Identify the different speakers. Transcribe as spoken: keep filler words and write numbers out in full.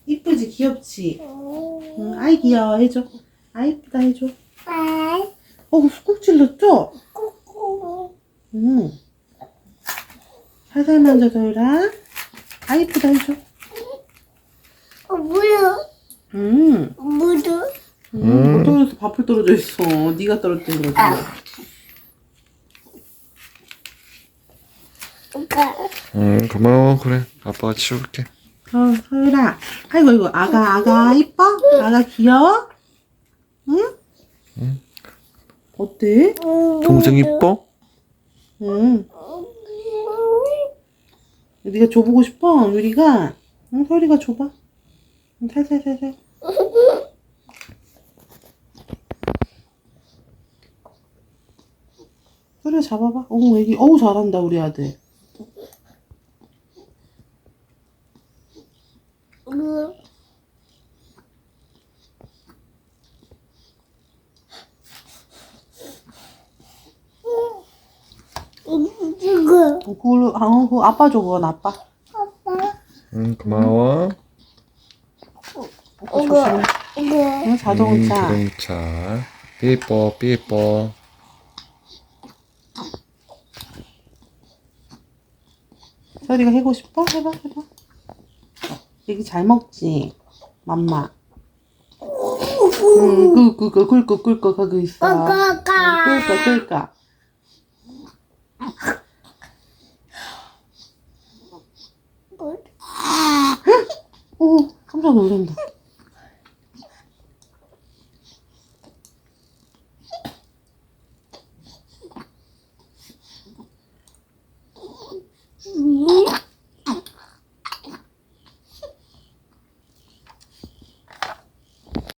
Speaker 1: 이쁘지? 귀엽지? 응, 아이 귀여워 해줘. 아이 이쁘다 해줘. 어, 꾹 찔렀죠? 응. 살살 만져 서율아. 아이 이쁘다 해줘.
Speaker 2: 어, 뭐야?
Speaker 1: 응.
Speaker 2: 뭐도?
Speaker 1: 응. 뭐 떨어져서 밥풀 떨어져 있어. 네가 떨어뜨린 거지.
Speaker 2: 오빠.
Speaker 3: 응, 고마워. 그래, 아빠가 치울게.
Speaker 1: 어, 서율아. 아이고, 이거 아가, 아가 이뻐? 아가 귀여워? 응?
Speaker 3: 응.
Speaker 1: 어때?
Speaker 3: 동생 이뻐?
Speaker 1: 응. 네가 줘보고 싶어, 유리가? 응, 서율이가 줘봐. 응, 살살살살. 서율아 잡아봐. 어우, 애기, 어우, 잘한다, 우리 아들.
Speaker 2: 이거.
Speaker 1: 어, 그걸로, 아, 어, 그거 아빠 줘, 그건 아빠.
Speaker 2: 아빠.
Speaker 3: 응, 고마워.
Speaker 1: 어, 조심해.
Speaker 2: 이거.
Speaker 1: 응,
Speaker 3: 음,
Speaker 1: 자동차.
Speaker 3: 자동차. 삐뽀, 삐뽀.
Speaker 1: 서율이가 해고 싶어? 해봐, 해봐. 애기 잘 먹지? 맘마. 응, 그, 그, 그, 꿀꺽, 꿀꺽 하고 있어. 응, 꿀꺽, 꿀꺽. 오, 깜짝 놀란다.